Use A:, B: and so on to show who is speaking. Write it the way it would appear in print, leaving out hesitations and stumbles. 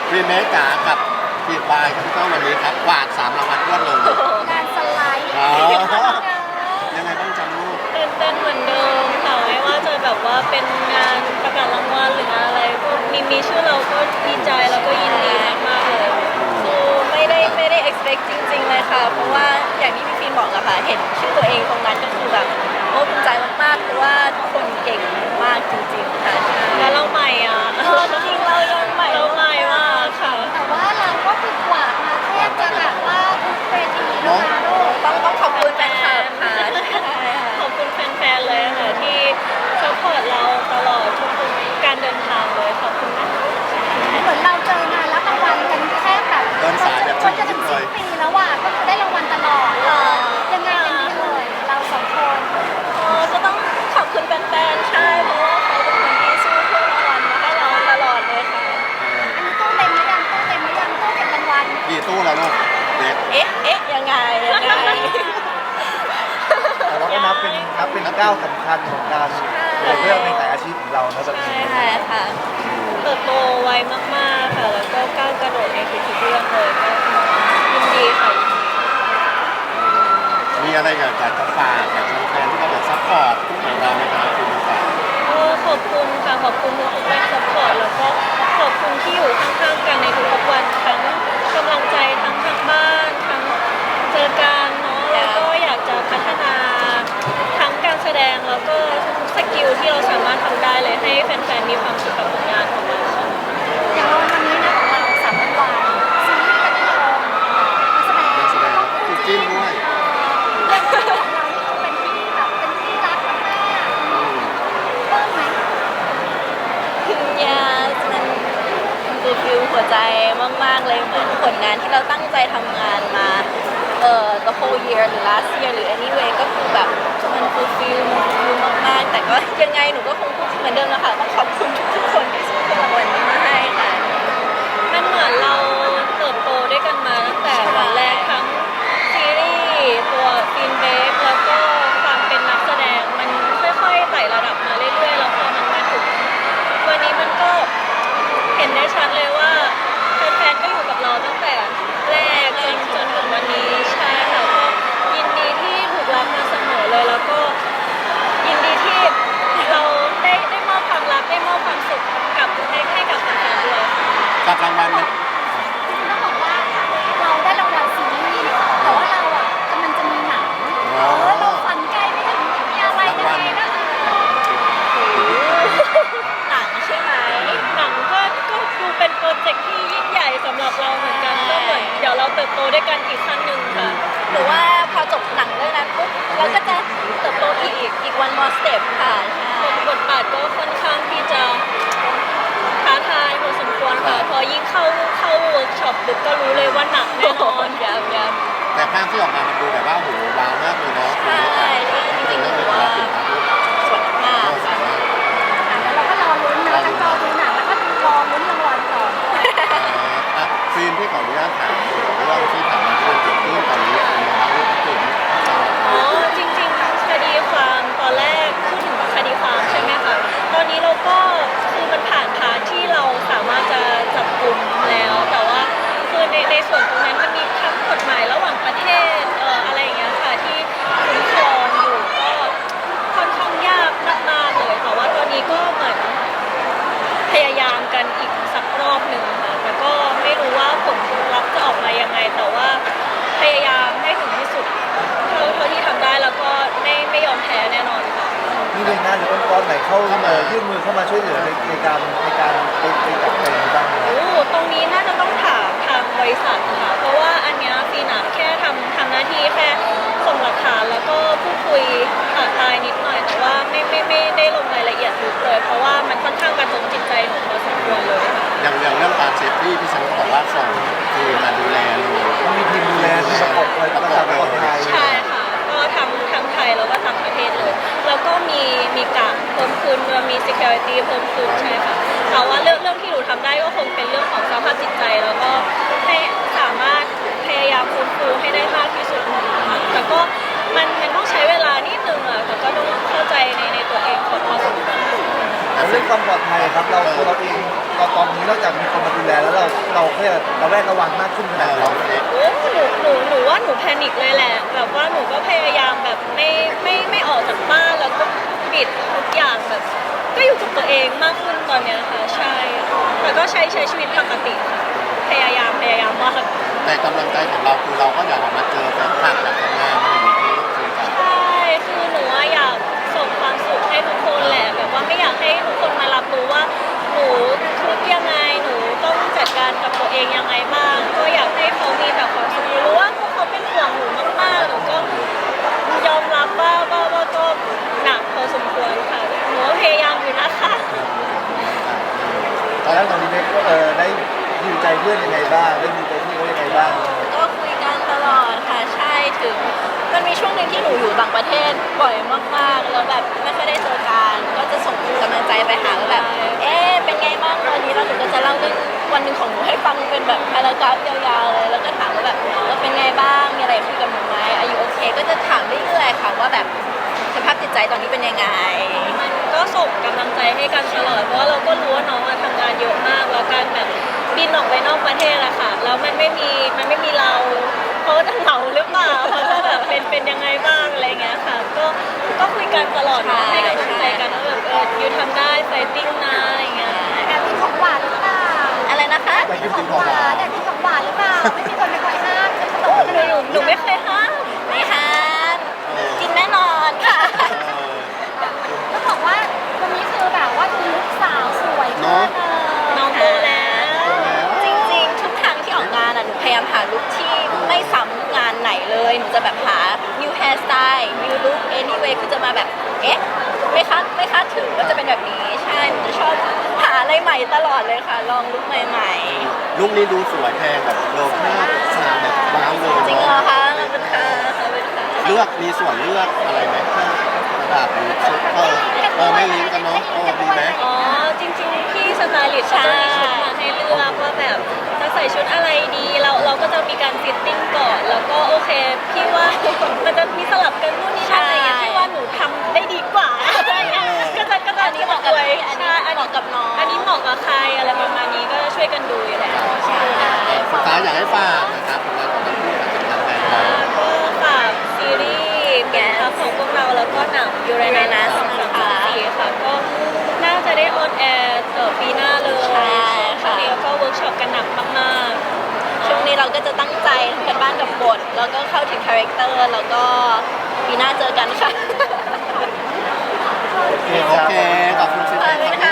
A: รีเมคจ๋ากับฟีดบายครับพี่ต้นวันนี้ครับกวาด3 รางวัลรวดเลย
B: งานสไลด์
A: อ๋อ ยังไงบ้างจำลูก
C: ตื่นเต้นเหมือนเดิมค่ะไม่ว่าจะแบบว่าเป็นงานประกาศรางวัลหรืองานอะไรก็มีชื่อเราก็ดีใจแล้วก็ยินดีมากๆเลยคือไม่ได้ expect จริงๆเลยค่ะเพราะว่าอย่างที่พี่ฟิล์มบอกอะค่ะเห็นชื่อตัวเองตรงนั้นก็คือแบบโอ้ภูมิใจมากๆเพราะว่าทุกคนเก่งมากจริงๆค่ะแล้วเราใหม่อ่ะจริงๆเรายังใหม่เราใหม่มากค่ะ
B: แต่ว่าเราก็คือกวาดมาแทบจะแบบว่าทุกเวทีนะคะลูก
C: ต้องขอบคุณแฟนคลับค่ะขอบคุณแฟนๆเลยค่ะที่ซัพพอร์ตเราตลอดทุกๆการเดินทางเลยขอบคุณนะคะ
B: เหมือนเราเจองานรับรางวัลกันแทบแบบ
A: เดินสายแบบ
B: จนจะถึงสิ้นปีแล้วอ่ะก็คือได้รางวัลตลอดยังไงกันดีเลยเราสองคน
C: ก็ต้องขอบคุณแฟนๆใช่เพราะว่าเขาเป็นคนที่สู้เพื่อรางวัลมาให้เราตลอดเลยค่ะ
B: อันนี้ตู้เต็มหรือยังตู้เต็มหรือยังตู้เก็บรางวัล
A: กี่ตู้แล้วลูกเด็ก
C: เอ๊ะยังไง
D: แต่เราก็นับเป็นก้าวสำคัญของการเรื่องในสายอาชีพของเรานะแบบนี้
C: ใช่ค่ะเติบโตไวมากๆค่ะแล้วก็ก้าวกระโดดในทุกๆเรื่องเลยก็ยินดีค่ะยินดี
A: มีอะไรอยากจะฝากกับแฟนๆที่เขาแบบซัพพอร์ตของเราไหมครับคุณผู้ชม
C: ก็ขอบคุณค่ะขอบคุณทุกๆแรงสปอร์ตแล้วก็ขอบคุณที่อยู่ข้างๆกันในทุกๆวันทั้งกำลังใจทั้งทางบ้านทั้งเจอกันเนาะแล้วก็อยากจะพัฒนาทั้งการแสดงแล้วก็ทุกๆสกิลที่เราสามารถทำได้เลยให้แฟนๆมีความสุขกับผลงานของเราค่ะ
B: อย่างวันนี้นะของเรา3 รางวัลซีรีส์ก็ได้ลงนักแสดง
A: นักแสดงคู่จิ้นด้วย
B: เรียกว่าของเรานี่คือเป็นที่แบบเป็นที่รักมากๆเพิ่มไหม
C: ยามันฟูลฟิลหัวใจมากๆเลยเหมือนผลงานที่เราตั้งใจทำงานมาthe whole year หรือ last year หรือ anyway ก็คือแบบมันฟูลฟิลมากๆแต่ก็ยังไงหนูก็คงพูดเหมือนเดิมนะคะต้องขอบคุณทุกๆคนที่ส่งรางวัลนี้มาให้ค่ะมันเหมือนเราเติบโตด้วยกันมาตั้งแต่วันแรกทั้งซีรีส์ตัวฟินเบฟแล้วก็ความเป็นนักแสดงมันค่อยๆไต่ระดับมาเรื่อยๆแล้วพอมันมาถึงวันนี้มันก็เห็นได้ชัดเลยว่าแฟนๆก็อยู่กับเราตั้งแต่แรกจนถึงวันนี้ใช่ค่ะก็ยินดีที่ถูกรักมาเสมอเลยแล้วก็ยินดีที่เราได้มอบความรักได้มอบความสุขกับให้กับแฟนๆด้วยค่ะ
A: กับรางวัลมัน
B: จริงๆต้องบอกว่าเราได้รางวัลซีรีส์แต่ว่าเราอ่ะกำลังจะมีหนังเราฝันไกลไปถึงมีอะไรยังไงนะ
C: หนังใช่ไหมหนังก็ดูเป็นโปรเจกต์ที่ยิ่งใหญ่สำหรับเราเหมือนกันก็เหมือนเดี๋ยวเราเติบโตด้วยกันอีกขั้นหนึ่งค่ะหรือว่าพอจบหนังเรื่องนั้นปุ๊บเราก็จะเติบโตอีก one more step ค่ะบทบาทก็ค่อนข้างที่จะท้าทายพอสมควรค่ะพอยิ่งเข้าเวิร์กช็อปปุ๊บก็รู้เลยว่าหนักแน่นอนยับ
A: แต่ภาพที่ออกมามันดูแบบว่าโหว้าวมากเลยเนาะ
C: ใช่จริงๆหนูว่าสวยมากค่ะ
B: แล้วเราก็รอลุ้นนะทั้งรอดูหนังแล้วก็รอลุ้นรางวัลต่อ
A: ฟิล์มที่ขออนุญาตถามเรื่องที่ถามมาที่เกิดขึ้นตอนนี้เป็นยังไงบ้างที่ตื่น
C: อ๋อจริงๆคดีความตอนแรกพูดถึงคดีความใช่ไหมคะตอนนี้เราก็คือมันผ่านพาร์ทที่เราสามารถจะจับกลุ่มแล้วแต่ว่าคือในส่วนตรงนั้นมันมีทั้งกฎหมายระหว่างประเทศอะไรอย่างเงี้ยค่ะที่คุ้มครองอยู่ก็ค่อนข้างยากมากๆเลยแต่ว่าตอนนี้ก็เหมือนพยายามกันอีกสักรอบหนึ่งค่ะแต่ก็ไม่รู้ว่าผลลัพธ์จะออกมายังไงแต่ว่าพยายามให้ถึงที่สุดเท่าที่ทำได้แล้วก็ไม่ยอมแพ้แน่นอนค่ะ
D: มีหน่วยงานหรือองค์กรไหนเข้ายื่นมือเข้ามาช่วยเหลือในการไปจับอะไรนี้บ้างไหม
C: โอ้ตรงนี้น่าจะต้องถามทางบริษัทค่ะเพราะว่าอันเนี้ยฟีนัแค่ทำหน้าที่แค่ส่งหลักฐานแล้วก็พูดคุยผ่านไลน์นิดหน่อยแต่ว่าไม่ได้ลงรายละเอียดลึกเลย เพราะว่ามันค่อนข้างกระทบจิตใจหนูพอสมควรเลยค่ะ
A: อย่างเรื่องการเซฟตี้พี่ฉันก็บอกว่าส่งทีมมาดูแลเลย
D: ต้องมีทีมดูแลที่ประกบเลยประกอบคนไทย
C: ใช่ค่ะก็ทั้งไทยแล้วก็ต่างประเทศเลย แล้วก็มีการเพิ่มขึ้นมี security เพิ่มขึ้นใช่ค่ะแต่ว่าเรื่องที่หนูทำได้ก็คงเป็นเรื่องของสภาพจิตใจแล้วก็ให้สามารถพยายามฟื้นฟูให้ได้มากที่สุดค่ะแต่ก็มันต้องใช้เวลานิดนึงอะแต่ก็ต้องเข้าใจในตัวเองพอสมควร
D: แล้วเรื่องความปลอดภัยครับเราเองเราตอนนี้นี้นอกจากมีคนมาดูแลแล้วเราก็ระแวดระวังมากขึ้นขนาดไหน
A: เราเล็ก
C: โอ้หนูว่าหนูแพนิคเลยแหละแบบว่าหนูก็พยายามแบบไม่ออกจากบ้านแล้วก็ปิดทุกอย่างแบบก็อยู่กับตัวเองมากขึ้นตอนเนี้ยค่ะใช่แต่ก็ใช้ชีวิตปกติค่ะพยายามมาก
A: แต่กำลังใจของเราคือเราก็อยากออกมาเจอแฟนคลับอยากทำงานอะไรอย่างนี้คือกัน
C: ใช่คือหนูว่าอยากส่งความสุขให้ทุกคนแหละแบบว่าไม่อยากให้ทุกคนมารับรู้ว่าหนูทุกข์ยังไงหนูต้องจัดการกับตัวเองยังไงบ้างก็อยากให้เขามีแต่ความสุขหนูรู้ว่าพวกเขาเป็นห่วงหนูมากๆหนูก็ยอมรับว่าก็หนักพอสมควรค่ะหนูก็พยายามอยู่นะคะ
D: แล้วตอนนี้เน็กก็ได้ดูใจเพื่อนยังไงบ้างได้ดูใจพี่เขายังไงบ้าง
C: ก็คุยกันตลอดค่ะใช่ถึงมันมีช่วงหนึ่งที่หนูอยู่ต่างประเทศบ่อยมากๆแล้วแบบไม่ค่อยได้เจอกันก็จะส่งกำลังใจไปหาว่าแบบเป็นไงบ้างตอนนี้แล้วหนูก็จะเล่าเรื่องวันหนึ่งของหนูให้ฟังเป็นแบบพารากราฟยาวๆเลยแล้วก็ถามว่าแบบเป็นไงบ้างมีอะไรคุยกับหนูไหมอายุโอเคก็จะถามเรื่อยๆค่ะว่าแบบสภาพจิตใจตอนนี้เป็นยังไงมันก็ส่งกำลังใจให้กันตลอดเพราะว่าเราก็รู้ว่าน้องทำงานเยอะมากแล้วการแบบบินออกไปนอกประเทศอะค่ะแล้วมันไม่มีเราเขาจะเหงาหรือเปล่าเขาจะแบบเป็นยังไงบ้างอะไรเงี้ยค่ะก็คุยกันตลอดเนาะให้กำลังใจกันว่าแบบยูทำได้ไฟติ้งนะอะไรเงี้ย
B: แอบกินของหวานหรือเปล่า
C: อะไรนะคะ
D: ไปกิน
B: ข
D: จริ
B: อง ง
D: ของ
B: ห
D: หวาว
B: าน
D: น
B: แอบกินของหวานหรือเปล่าไม่มีคนไปคอยห้ามจะขนม
C: หนูไม่เคยห้ามไม่ห้ามกินแน่นอนค่ะ
B: ต้องบอกว่าวันนี้คือแบบว่าคือลูกสาวสวยมากเลย
C: น้องโตแล้ว จริงๆ ทุกครั้งที่ออกงานอ่ะหนูพยายามหาลุคที่ไม่ซ้ำงานไหนเลย หนูจะแบบหา new hairstyle new look anyway คือจะมาแบบ ไม่คาดถึงว่าจะเป็นแบบนี้ ใช่ หนูจะชอบหาอะไรใหม่ตลอดเลยค่ะ ลองลุคใหม่
A: ลูกนี้ดูสวยแพงแบบโลภาพสาวแบบว้าวเลย
C: ๆ จริงเหรอ
A: เนาะ
C: คะขอบคุณค่ะขอบคุณค่ะ
A: เลือกมีส่วนเลือกอะไรไหมที่ระดับหรือชุดไม่ลิงก์กันเนาะดีไหม
C: อ๋อจริงๆพี่สไตลิสต์เขาจะมีชุดมาให้เลือกว่าแบบจะใส่ชุดอะไรดีเราก็จะมีการฟิตติ้งก่อนแล้วก็โอเคพี่ว่ามันจะมีสลับกันนู่นนี่นั่นอะไรเงี้ยพี่ว่าหนูทำได้ดีกว่าอะไรเงี้ยก็จะอันนี้เหมาะกับพี่อันนี้เหมาะกับน้อง อันนี้เหมาะกับใครอะไรประมาณนี้ก็จะช่วยกันดูอยู่แล้วใช่
A: สุดท้ายอยากให้ฝากนะครับผลงานของทั้งคู่กับทางแฟนคลับ
C: ก็ฝากซีรีส์เป็นทัพของพวกเราแล้วก็หนังยูเรนัส2024ค่ะก็น่าจะได้ออนแอร์ปีหน้าเลยช่วงนี้ก็เวิร์กช็อปกันหนักมากๆช่วงนี้เราก็จะตั้งใจทำกันบ้านกับบทแล้วก็เข้าถึงคาแรคเตอร์แล้วก็ปีหน้าเจอกันค่ะ
A: โอเคขอบคุณสิ
C: ขอบคุณค่ะ